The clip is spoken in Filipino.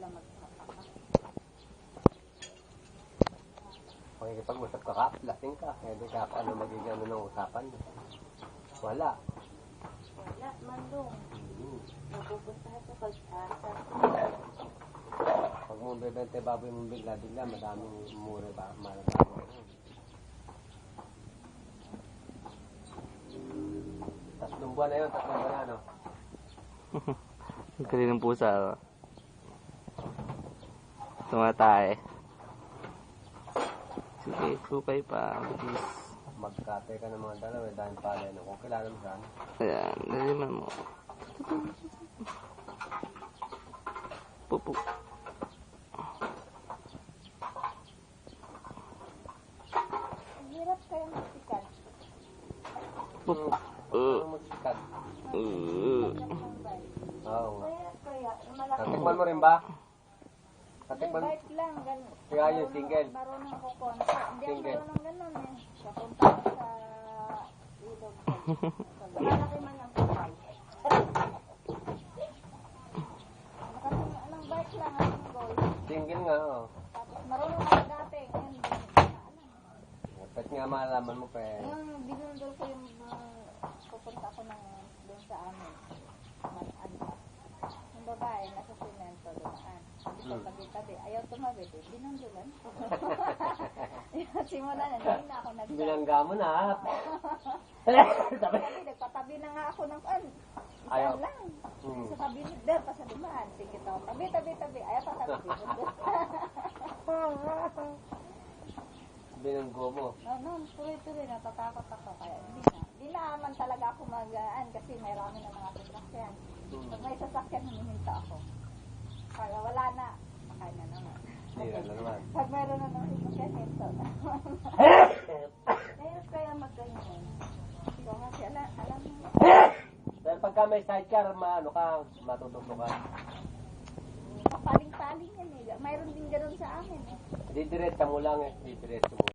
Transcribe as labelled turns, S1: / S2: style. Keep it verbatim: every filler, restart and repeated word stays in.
S1: sila magpapaka.
S2: Pakikipag-usap ka ka, lasing ka. Kaya di ka ano magiging ano ng usapan. Wala.
S1: Wala, mandong.
S2: Hmm.
S1: Napupunta sa kalsasa.
S2: Pag mo bebente baboy mo bigla-bigla, madaming mura ba? Malamang. Tatlong buwan na yun, tatlong buwan na, ano?
S3: Ang galing ng pusa, oh. Tumatay. Sige, supay pa. Bilis.
S2: Magkate ka ng mga dalawa, dahil pala yun. Kung kilala mo saan.
S3: Ayan, naliman mo. Pupu.
S1: Ang hirap kaya magsikat.
S3: Pupu.
S2: Ano mo sikat?
S3: Uh.
S2: Oo nga.
S1: Kaya, kaya, malaki.
S2: Natikman mo rin ba?
S1: Hindi,
S2: Natikman mo?
S1: bite lang. Gan-
S2: Kaya yun, single.
S1: Marunong ko konta. Hindi ako
S2: Single.
S1: marunong ganun eh. Kapunta ko sa ilog. Malaki man ang kapal. Kasi anong bite lang ang goal.
S2: Single nga, oo.
S1: Tapos marunong ako dati. Ngayon, hindi ko na alam.
S2: Pwede nga malaman mo pa eh.
S1: Yung binundol ko yung uh, pupunta ko ng doon sa amin. Malaan pa. Yung babae, nasa simento doon. Sabi ko,
S2: Hmm.
S1: tabi-tabi. Ayaw tumabit eh. Binundulan. Simula na, hindi na ako nagsabi.
S2: Binangga mo na.
S1: Sabi, nagpatabi na nga ako ng kan.
S2: Ayaw.
S1: Ayaw lang.
S2: Hmm.
S1: Sa kabinet der, pa sa dumaan. Sige to. Tabi, tabi, tabi. Ayaw pa tabi. Binundol.
S2: Binanggo mo.
S1: No, no, tuloy-tuloy. Natatakot ako. Kaya hindi na. Hindi naman talaga ako magaan kasi may rami na mga sasakyan.
S2: Hmm.
S1: Pag may sasakyan, humihinta ako. Kaya wala na. Makain na naman.
S2: Sira na naman.
S1: Pag meron na ng sasakyan, hinto na. Kaya kaya magganyan. Ikaw nga siya, alam, alam mo.
S2: Dahil pagka may sidecar, maano ka, matututo ka.
S1: Paling-paling yan eh. Mayroon din gano'n sa amin eh.
S2: Didiretsa mo lang eh. Didiretsa mo.